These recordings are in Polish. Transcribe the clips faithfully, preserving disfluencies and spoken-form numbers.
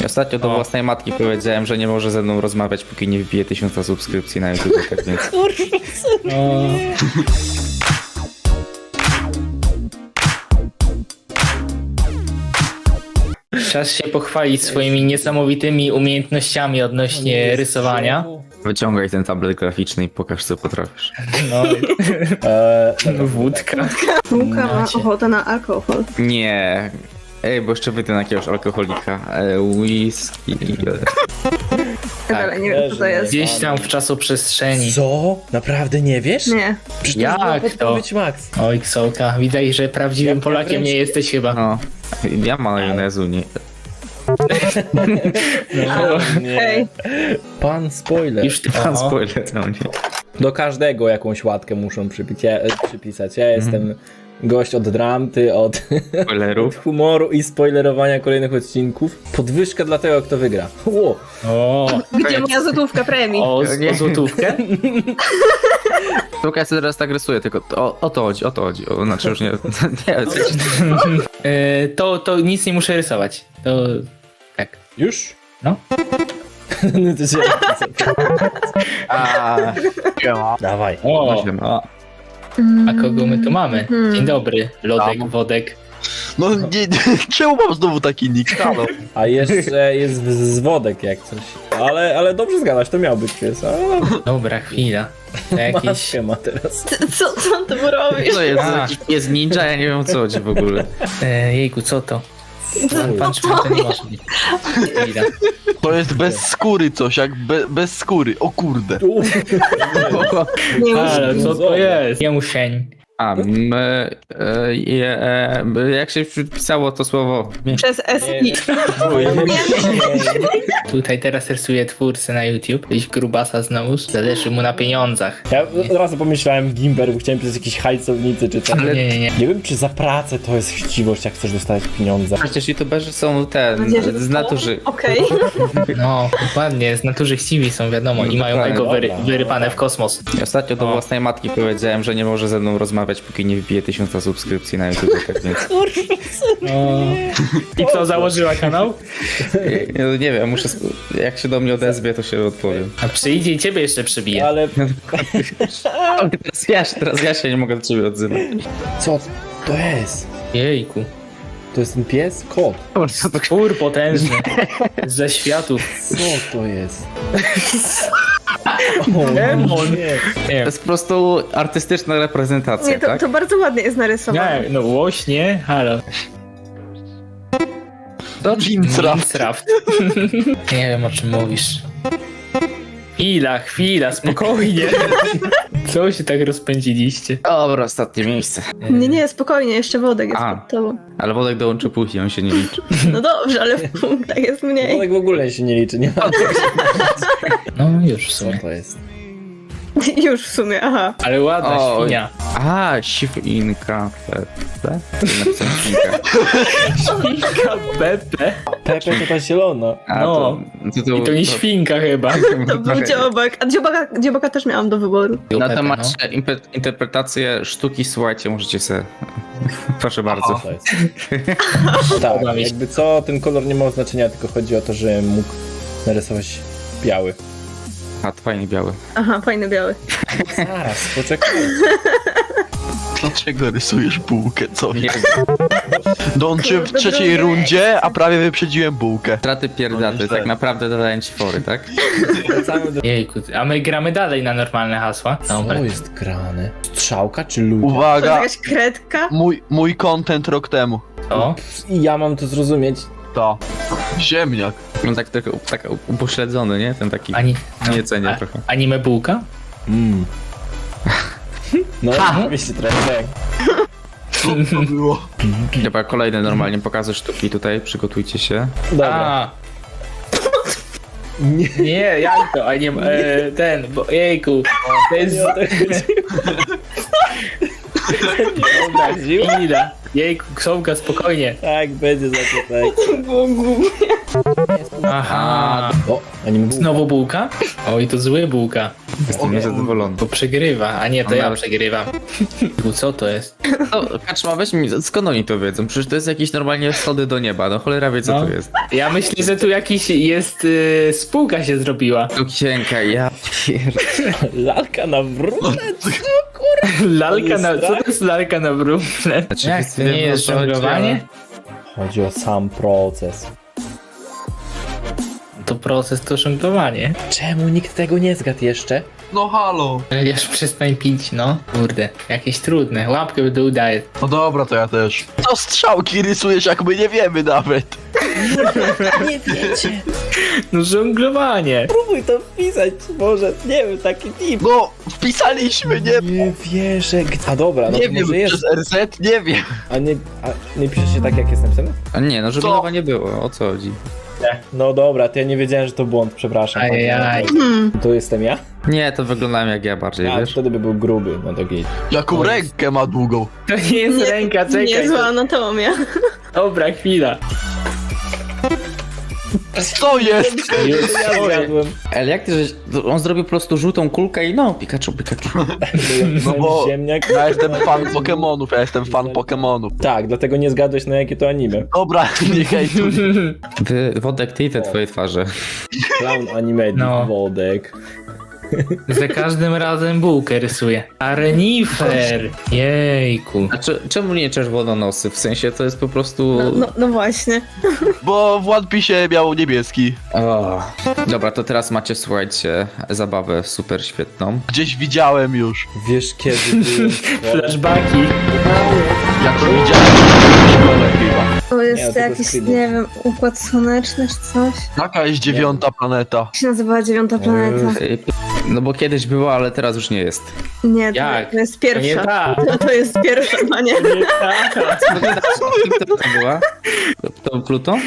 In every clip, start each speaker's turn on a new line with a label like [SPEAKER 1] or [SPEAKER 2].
[SPEAKER 1] Ostatnio do
[SPEAKER 2] O.
[SPEAKER 1] własnej matki powiedziałem, że nie może ze mną rozmawiać, póki nie wybije tysiąca subskrypcji na YouTube, tak więc...
[SPEAKER 2] O. Czas się pochwalić swoimi niesamowitymi umiejętnościami odnośnie rysowania.
[SPEAKER 1] Wyciągaj ten tablet graficzny i pokaż, co potrafisz.
[SPEAKER 2] No,
[SPEAKER 3] Eee,
[SPEAKER 2] wódka.
[SPEAKER 4] Łuka ma
[SPEAKER 2] Macie.
[SPEAKER 4] ochotę na alkohol.
[SPEAKER 1] Nie. Ej, bo jeszcze wyjdę na jakiegoś alkoholika. E, whisky.
[SPEAKER 4] Ale nie wiem co to jest.
[SPEAKER 2] Gdzieś tam w czasoprzestrzeni.
[SPEAKER 3] co? Naprawdę nie wiesz?
[SPEAKER 4] Nie.
[SPEAKER 3] Przecież
[SPEAKER 2] Jak
[SPEAKER 3] to?
[SPEAKER 2] to?
[SPEAKER 3] Podpowiedź Max.
[SPEAKER 2] Oj, Ksołka, widać, że prawdziwym
[SPEAKER 3] Ja- ja
[SPEAKER 2] Polakiem
[SPEAKER 3] wręcz-
[SPEAKER 2] nie jesteś chyba.
[SPEAKER 1] No. Ja majonezu nie...
[SPEAKER 2] No.
[SPEAKER 3] Nie. Pan spoiler.
[SPEAKER 2] Już ty
[SPEAKER 1] Pan
[SPEAKER 2] o,
[SPEAKER 1] spoiler na mnie.
[SPEAKER 3] Do każdego jakąś łatkę muszą przypić, ja, e, przypisać. Ja jestem gość od dram, ty od, od
[SPEAKER 1] Spoilerów.
[SPEAKER 3] humoru i spoilerowania kolejnych odcinków. Podwyżka dla tego, kto wygra. Ło.
[SPEAKER 2] o,
[SPEAKER 4] Gdzie moja złotówka premii?
[SPEAKER 2] o, z- o złotówkę?
[SPEAKER 1] Tylko ja sobie teraz tak rysuję, tylko o, o to chodzi, o to chodzi. O, znaczy już nie... nie coś.
[SPEAKER 2] E, to, to nic nie muszę rysować. To tak.
[SPEAKER 3] Już?
[SPEAKER 2] No.
[SPEAKER 3] No to się...
[SPEAKER 1] A,
[SPEAKER 3] Dawaj.
[SPEAKER 2] O,
[SPEAKER 1] a,
[SPEAKER 2] a kogo my tu mamy?
[SPEAKER 4] Mhm.
[SPEAKER 2] Dzień dobry, Lodek, Wodek.
[SPEAKER 5] No nie, czemu mam znowu taki nick? Halo.
[SPEAKER 3] A jeszcze jest z wodek jak coś. Ale, ale dobrze zgadasz, to miał być pies. A,
[SPEAKER 2] Dobra, chwila. To jakieś...
[SPEAKER 3] maskę ma teraz.
[SPEAKER 4] Co, co ty mu robisz?
[SPEAKER 1] to jest
[SPEAKER 2] A.
[SPEAKER 1] jakiś pies ninja, ja nie wiem o co chodzi w ogóle.
[SPEAKER 2] E, jejku, co to? Pan, pan Szymon, to nie może być. Chwila.
[SPEAKER 5] To jest bez skóry coś, jak be, bez skóry. O kurde.
[SPEAKER 4] Nie już.
[SPEAKER 2] Ale co to jest? Jemusień.
[SPEAKER 1] A, m, e, je, e, jak się pisało to słowo?
[SPEAKER 4] Przez S I.
[SPEAKER 2] Tutaj teraz rysuje twórcę na YouTube. Jakiś grubasa znowu. Zależy mu na pieniądzach.
[SPEAKER 3] Ja od razu pomyślałem Gimber, bo chciałem pisać jakieś hajcownicy czy coś.
[SPEAKER 2] Ale nie, nie, nie.
[SPEAKER 3] Nie wiem, czy za pracę to jest chciwość, jak chcesz dostać pieniądze.
[SPEAKER 1] Przecież youtuberzy są ten,
[SPEAKER 4] Nadzieję, że
[SPEAKER 1] z natury.
[SPEAKER 4] Okej.
[SPEAKER 2] No, dokładnie. Z natury chciwi są, wiadomo. I mają
[SPEAKER 1] Dokładnie.
[SPEAKER 2] ego wyry,
[SPEAKER 3] Dobra.
[SPEAKER 2] wyrypane w kosmos.
[SPEAKER 1] Ostatnio do
[SPEAKER 2] O.
[SPEAKER 1] własnej matki powiedziałem, że nie może ze mną rozmawiać, póki nie wybije tysiąca subskrypcji na YouTube, tak więc...
[SPEAKER 2] O. I co, założyła kanał?
[SPEAKER 1] Nie, nie wiem, muszę... sp- Jak się do mnie odezwie, to się odpowiem.
[SPEAKER 2] A przyjdzie i ciebie jeszcze przybije.
[SPEAKER 3] Ale
[SPEAKER 1] Ale teraz ja, się- teraz ja się nie mogę do ciebie odzywać.
[SPEAKER 3] co to jest?
[SPEAKER 2] Jejku.
[SPEAKER 3] To jest ten pies? Kot.
[SPEAKER 2] Twór potężny. Ze światów.
[SPEAKER 3] Co to jest?
[SPEAKER 2] Demon.
[SPEAKER 3] Nie.
[SPEAKER 2] Nie
[SPEAKER 1] To
[SPEAKER 2] wiem.
[SPEAKER 1] jest po prostu artystyczna reprezentacja,
[SPEAKER 4] Nie, to,
[SPEAKER 1] tak?
[SPEAKER 4] to bardzo ładnie jest narysowane.
[SPEAKER 2] Nie, no łośnie, halo.
[SPEAKER 1] To
[SPEAKER 2] Minecraft. Nie wiem o czym mówisz. Chwila, chwila, spokojnie. Co się tak rozpędziliście?
[SPEAKER 1] Dobra, ostatnie miejsce.
[SPEAKER 4] Nie, nie, spokojnie, jeszcze Wodek jest
[SPEAKER 1] A.
[SPEAKER 4] pod tobą.
[SPEAKER 1] Ale Wodek dołączy później, on się nie liczy.
[SPEAKER 4] No dobrze, ale w punktach jest mniej.
[SPEAKER 3] Wodek w ogóle się nie liczy, nie ma.
[SPEAKER 2] No już w
[SPEAKER 3] Co
[SPEAKER 2] sumie.
[SPEAKER 3] to jest?
[SPEAKER 4] Już w sumie, aha.
[SPEAKER 2] Ale ładna
[SPEAKER 1] O,
[SPEAKER 2] świnia.
[SPEAKER 1] A, świnka. Pepe? Napisałem świnka.
[SPEAKER 2] Świnka Pepe.
[SPEAKER 3] Pepe to ta zielona.
[SPEAKER 1] A,
[SPEAKER 2] No.
[SPEAKER 1] to, to, to,
[SPEAKER 2] I to nie świnka chyba.
[SPEAKER 4] To był dziobak. A dziobaka, dziobaka też miałam do wyboru.
[SPEAKER 1] Na
[SPEAKER 2] Pepe,
[SPEAKER 1] temat
[SPEAKER 2] no.
[SPEAKER 1] impe- interpretacji sztuki, słuchajcie, możecie sobie... Proszę bardzo.
[SPEAKER 3] To jest. Tak,
[SPEAKER 2] Podoba mi się.
[SPEAKER 3] jakby co, ten kolor nie ma znaczenia, tylko chodzi o to, że mógł narysować biały.
[SPEAKER 1] A, to fajnie biały.
[SPEAKER 4] Aha, fajny biały.
[SPEAKER 3] Zaraz, poczekaj.
[SPEAKER 5] Dlaczego rysujesz bułkę? Co?
[SPEAKER 1] Nie,
[SPEAKER 5] Dączyłem w
[SPEAKER 4] Kurde,
[SPEAKER 5] trzeciej
[SPEAKER 4] drugie.
[SPEAKER 5] rundzie, a prawie wyprzedziłem bułkę.
[SPEAKER 1] straty pierdaty,
[SPEAKER 5] No,
[SPEAKER 1] tak
[SPEAKER 5] źle.
[SPEAKER 1] naprawdę dadają ci fory, tak?
[SPEAKER 3] Wracamy do...
[SPEAKER 2] Jejku, a my gramy dalej na normalne hasła. Dobra.
[SPEAKER 3] Co jest grane? Strzałka czy ludzie?
[SPEAKER 4] To jest
[SPEAKER 5] Uwaga,
[SPEAKER 4] jakaś kredka?
[SPEAKER 5] mój, mój content rok temu.
[SPEAKER 2] O,
[SPEAKER 3] I ja mam to zrozumieć.
[SPEAKER 5] To. Ziemniak.
[SPEAKER 1] No tak trochę tak upośledzony, nie? Ten taki...
[SPEAKER 2] ani...
[SPEAKER 1] Nie cenię
[SPEAKER 2] a,
[SPEAKER 1] trochę.
[SPEAKER 2] Anime bułka?
[SPEAKER 3] Mm. No, oczywiście trochę tak.
[SPEAKER 5] Co to było?
[SPEAKER 1] Dobra, kolejne normalnie pokazy sztuki tutaj, przygotujcie się.
[SPEAKER 3] Dobra.
[SPEAKER 2] A,
[SPEAKER 3] Nie.
[SPEAKER 2] nie, jak to? A nie, e, ten, bo jejku. To jest...
[SPEAKER 3] Nie o to chodzi.
[SPEAKER 2] Dobra, chwila. Jejku, Ksowka, spokojnie.
[SPEAKER 3] Tak, będzie za to tak.
[SPEAKER 4] Było głupie.
[SPEAKER 2] Aha.
[SPEAKER 3] O, Anime bułka.
[SPEAKER 2] Znowu bułka? Oj, to zły bułka.
[SPEAKER 1] Jestem niezadowolony.
[SPEAKER 2] Bo przegrywa, a nie, to
[SPEAKER 1] No
[SPEAKER 2] ja
[SPEAKER 1] nawet-
[SPEAKER 2] przegrywam. Co to jest?
[SPEAKER 1] No, Kaczma, weź mi, skąd oni to wiedzą? Przecież to jest jakieś normalnie schody do nieba, no cholera wie co
[SPEAKER 2] No.
[SPEAKER 1] to jest.
[SPEAKER 2] Ja myślę, że tu jakiś jest... Yy, spółka się zrobiła.
[SPEAKER 1] Lukienka, ja pier...
[SPEAKER 3] Lalka na wróble?
[SPEAKER 2] Lalka na... Co to jest lalka na wróble?
[SPEAKER 1] Znaczy,
[SPEAKER 2] Jak, to nie jest żonglowanie?
[SPEAKER 3] Chodzi o sam proces.
[SPEAKER 2] To proces to żonglowanie.
[SPEAKER 3] Czemu nikt tego nie zgadł jeszcze?
[SPEAKER 5] No halo.
[SPEAKER 2] Już przestań pić, no. Kurde, jakieś trudne. Łapkę w dół daję.
[SPEAKER 5] No dobra, to ja też. Co strzałki rysujesz, jak my nie wiemy nawet?
[SPEAKER 3] Nie wiecie.
[SPEAKER 2] No żonglowanie.
[SPEAKER 3] Próbuj to wpisać, może, nie wiem, taki tip.
[SPEAKER 5] No, wpisaliśmy, nie
[SPEAKER 3] Nie wierzę. A dobra, no
[SPEAKER 5] Nie
[SPEAKER 3] to
[SPEAKER 5] wiem,
[SPEAKER 3] może jest.
[SPEAKER 5] przez R Z, nie wiem.
[SPEAKER 3] A nie, a nie pisze się tak, jak jest napisane?
[SPEAKER 1] A nie, no żeglowa nie było, o co chodzi?
[SPEAKER 3] No dobra, to ja nie wiedziałem, że to błąd, przepraszam.
[SPEAKER 2] Ajajaj.
[SPEAKER 3] To jestem ja?
[SPEAKER 1] Nie, to wyglądałem jak ja bardziej,
[SPEAKER 3] A
[SPEAKER 1] wiesz?
[SPEAKER 3] wtedy by był gruby, no to git.
[SPEAKER 5] Jaką rękę ma długą.
[SPEAKER 2] To nie jest
[SPEAKER 4] Nie-
[SPEAKER 2] ręka, czekaj.
[SPEAKER 4] Niezła anatomia.
[SPEAKER 2] Dobra, chwila.
[SPEAKER 5] Co jest?
[SPEAKER 2] Już,
[SPEAKER 3] Ja
[SPEAKER 2] oj.
[SPEAKER 3] zjadłem.
[SPEAKER 1] Ale jak ty, żeś... on zrobił po prostu żółtą kulkę i no, Pikachu, Pikachu.
[SPEAKER 5] No bo
[SPEAKER 3] Ziemniak.
[SPEAKER 5] ja jestem fan Pokemonów, ja jestem fan Pokemonów.
[SPEAKER 3] Tak, dlatego nie zgadłeś na jakie to anime.
[SPEAKER 5] Dobra, nie hejtuj.
[SPEAKER 1] Wy, Wodek, ty i te twoje twarze.
[SPEAKER 3] Clown anime,
[SPEAKER 2] No.
[SPEAKER 3] Wodek.
[SPEAKER 2] Za każdym razem bułkę rysuję. A renifer! Jejku.
[SPEAKER 1] A czy, czemu nie czerwononosy? W sensie to jest po prostu...
[SPEAKER 4] No, no, no właśnie.
[SPEAKER 5] Bo w One Piece miał niebieski.
[SPEAKER 1] O. Dobra, to teraz macie, słuchajcie, zabawę super świetną.
[SPEAKER 5] Gdzieś widziałem już.
[SPEAKER 3] Wiesz kiedy byłem w szkole?
[SPEAKER 2] Flashbacki.
[SPEAKER 5] Jak to widziałem w szkole chyba.
[SPEAKER 4] To
[SPEAKER 3] Nie,
[SPEAKER 4] jest
[SPEAKER 3] to
[SPEAKER 4] jakiś,
[SPEAKER 3] bez kitu.
[SPEAKER 4] nie wiem, układ słoneczny czy coś.
[SPEAKER 5] Jaka jest dziewiąta planeta?
[SPEAKER 4] Jak się nazywała dziewiąta planeta?
[SPEAKER 1] Ej, No bo kiedyś była, ale teraz już nie jest.
[SPEAKER 4] Nie, to,
[SPEAKER 2] Jak?
[SPEAKER 4] to jest
[SPEAKER 2] To nie
[SPEAKER 4] pierwsza.
[SPEAKER 2] tak.
[SPEAKER 4] To, to jest pierwsza, panie.
[SPEAKER 2] Nie tak.
[SPEAKER 1] Kto to była? To był Pluton?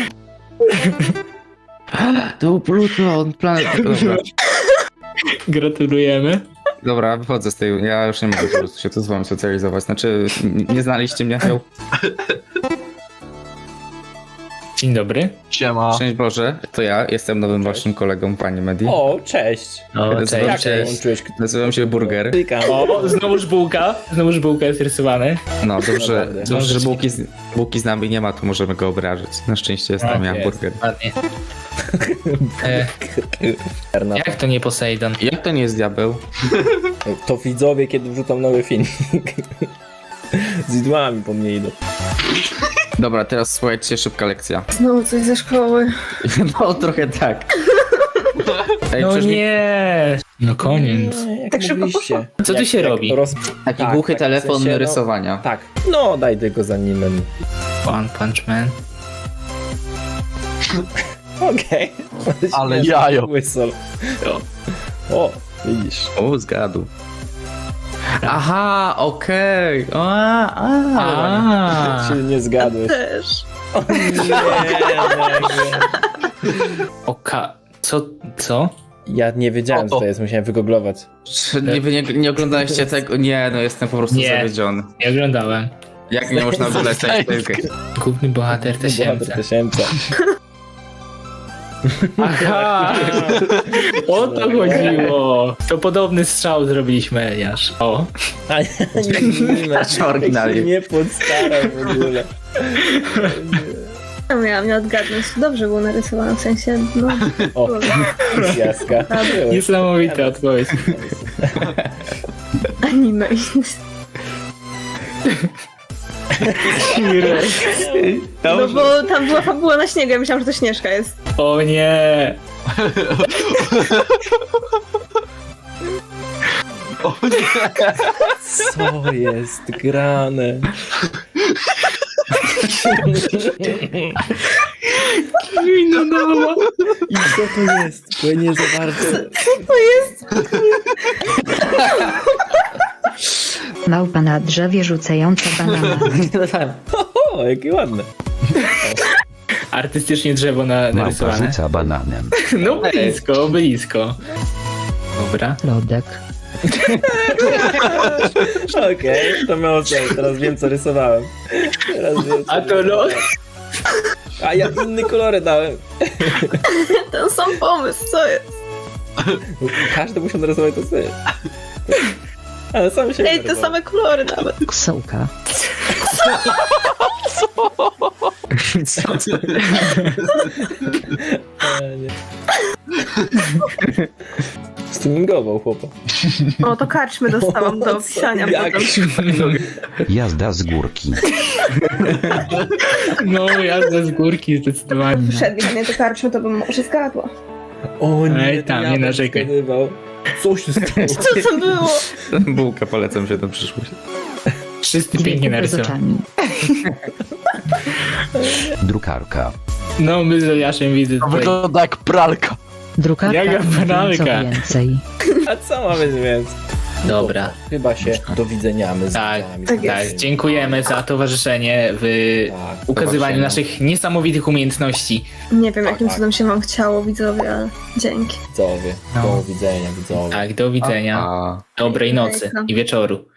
[SPEAKER 1] To był Pluton, planet... Dobra.
[SPEAKER 2] Gratulujemy.
[SPEAKER 1] Dobra, wychodzę z tej... Ja już nie mogę po prostu się tu z wami socjalizować. Znaczy, n- nie znaliście mnie? Heł.
[SPEAKER 2] Dzień dobry.
[SPEAKER 5] Siema.
[SPEAKER 1] Szczęść Boże, to ja, jestem nowym waszym kolegą, pani Medi.
[SPEAKER 3] O, cześć.
[SPEAKER 2] O,
[SPEAKER 1] Nazywam
[SPEAKER 3] Jak
[SPEAKER 1] się,
[SPEAKER 3] się łączyłeś?
[SPEAKER 1] nazywam się Burger.
[SPEAKER 3] Klikam.
[SPEAKER 2] O, znowuż bułka. Znowuż bułka jest rysowane.
[SPEAKER 1] No dobrze,
[SPEAKER 3] Naprawdę.
[SPEAKER 1] dobrze że bułki z, bułki z nami nie ma, to możemy go obrażać. Na szczęście jestem
[SPEAKER 3] Tak
[SPEAKER 1] ja,
[SPEAKER 3] jest.
[SPEAKER 1] Burger.
[SPEAKER 2] Ładnie. E, jak to nie Poseidon?
[SPEAKER 1] Jak to nie jest diabeł?
[SPEAKER 3] To widzowie, kiedy wrzucam nowy filmik. Z idłami po mnie idą.
[SPEAKER 1] Dobra, teraz słuchajcie, szybka lekcja.
[SPEAKER 4] Znowu coś ze szkoły.
[SPEAKER 1] No trochę tak. Ej,
[SPEAKER 2] No
[SPEAKER 1] przecież mi-
[SPEAKER 2] nie. No koniec.
[SPEAKER 3] Nie, jak
[SPEAKER 4] Tak szybko
[SPEAKER 3] mogliście?
[SPEAKER 2] Co tu
[SPEAKER 3] Jak-
[SPEAKER 2] się
[SPEAKER 3] jak
[SPEAKER 2] robi?
[SPEAKER 3] Roz...
[SPEAKER 1] Taki
[SPEAKER 3] tak,
[SPEAKER 1] głuchy
[SPEAKER 3] tak, w
[SPEAKER 1] telefon
[SPEAKER 3] sensie, no-
[SPEAKER 1] rysowania.
[SPEAKER 3] Tak. No, daj tego za nim.
[SPEAKER 2] One Punch Man.
[SPEAKER 3] Okej.
[SPEAKER 5] Ale
[SPEAKER 3] Śmieszny
[SPEAKER 5] jajo.
[SPEAKER 3] Whistle. O, widzisz.
[SPEAKER 1] O, zgadł. Aha, okej. A, a.
[SPEAKER 2] A.
[SPEAKER 3] Się nie zgadłeś.
[SPEAKER 4] Też.
[SPEAKER 3] O nie, nagle.
[SPEAKER 2] Oka. Co? Co?
[SPEAKER 3] Ja nie wiedziałem, co to jest, musiałem wygooglować.
[SPEAKER 1] Czy nie, wy nie, nie oglądaliście tego? Nie, no jestem po prostu
[SPEAKER 2] Nie.
[SPEAKER 1] zawiedziony.
[SPEAKER 2] Nie oglądałem.
[SPEAKER 1] Jak nie można oglądać tej piłki?
[SPEAKER 2] Główny bohater
[SPEAKER 3] Bohater
[SPEAKER 2] tysięcy.
[SPEAKER 3] tysięcy.
[SPEAKER 2] Aha! O to chodziło! To podobny strzał zrobiliśmy, Eliasz. O.
[SPEAKER 3] A nie, nie, nie,
[SPEAKER 1] Patrz, oryginalnie.
[SPEAKER 3] nie podstaram w ogóle.
[SPEAKER 4] No, miałam nie odgadnąć. Dobrze było narysowane, w sensie, no.
[SPEAKER 3] O, jaska.
[SPEAKER 2] Niesamowita odpowiedź.
[SPEAKER 4] Anime. No bo tam była fabuła na śniegu, ja myślałam, że to Śnieżka jest.
[SPEAKER 2] O nie!
[SPEAKER 5] O nie.
[SPEAKER 3] Co jest grane?
[SPEAKER 2] Wina dała!
[SPEAKER 3] I co to jest? Bo ja nie za bardzo...
[SPEAKER 4] To jest...
[SPEAKER 6] Małpa na drzewie rzucająca banana.
[SPEAKER 3] O, jakie ładne.
[SPEAKER 2] Artystycznie drzewo na,
[SPEAKER 7] Małpa
[SPEAKER 2] narysowane.
[SPEAKER 7] rzuca bananem.
[SPEAKER 2] No blisko, blisko. Dobra.
[SPEAKER 6] Lodek.
[SPEAKER 3] Okej, to miało sens. Teraz wiem, co rysowałem. Teraz wiem, co
[SPEAKER 2] A to lo...
[SPEAKER 3] A ja inny kolory dałem.
[SPEAKER 4] Ten sam pomysł, co jest?
[SPEAKER 3] Każdy musiał narysować to sobie. Ale sam się
[SPEAKER 4] Ej, te
[SPEAKER 3] narysował.
[SPEAKER 4] same kolory nawet.
[SPEAKER 6] Ksołka.
[SPEAKER 3] E, nie. Streamingował chłopa.
[SPEAKER 4] O, to karczmy dostałam do opisania
[SPEAKER 3] Jak?
[SPEAKER 4] potem.
[SPEAKER 7] Jazda z górki.
[SPEAKER 2] No, jazda z górki zdecydowanie.
[SPEAKER 4] Wszedł mnie to karczmy, to bym może zgadła.
[SPEAKER 3] O nie,
[SPEAKER 2] Ej,
[SPEAKER 3] to
[SPEAKER 2] tam,
[SPEAKER 3] ja
[SPEAKER 2] nie
[SPEAKER 3] bym
[SPEAKER 2] narzekaj.
[SPEAKER 3] zgadywał. Co się stało?
[SPEAKER 4] Co to było?
[SPEAKER 1] Bułka, polecam się na przyszłość.
[SPEAKER 2] Wszyscy
[SPEAKER 6] Dwie
[SPEAKER 2] pięknie
[SPEAKER 6] kupy z
[SPEAKER 2] narysowani.
[SPEAKER 6] oczami.
[SPEAKER 7] Drukarka.
[SPEAKER 2] No, my z Jaszem widzę
[SPEAKER 5] To
[SPEAKER 2] tutaj.
[SPEAKER 5] wygląda jak pralka.
[SPEAKER 6] Drukarka
[SPEAKER 2] Jaka
[SPEAKER 6] i co
[SPEAKER 2] banalka.
[SPEAKER 6] więcej.
[SPEAKER 3] A co mamy więcej?
[SPEAKER 2] Dobra.
[SPEAKER 3] Chyba się dowidzeniamy z
[SPEAKER 2] Tak,
[SPEAKER 3] widzami.
[SPEAKER 4] tak jest.
[SPEAKER 2] Tak, dziękujemy za towarzyczenie w
[SPEAKER 3] Tak,
[SPEAKER 2] ukazywaniu
[SPEAKER 3] zobaczymy.
[SPEAKER 2] naszych niesamowitych umiejętności.
[SPEAKER 4] Nie wiem, jakim
[SPEAKER 3] tak.
[SPEAKER 4] cudem się wam chciało, widzowie, ale dzięki.
[SPEAKER 3] Widzowie,
[SPEAKER 2] No.
[SPEAKER 3] do widzenia widzowie.
[SPEAKER 2] Tak, do widzenia.
[SPEAKER 1] A...
[SPEAKER 2] Dobrej nocy
[SPEAKER 4] Hejka.
[SPEAKER 2] i wieczoru.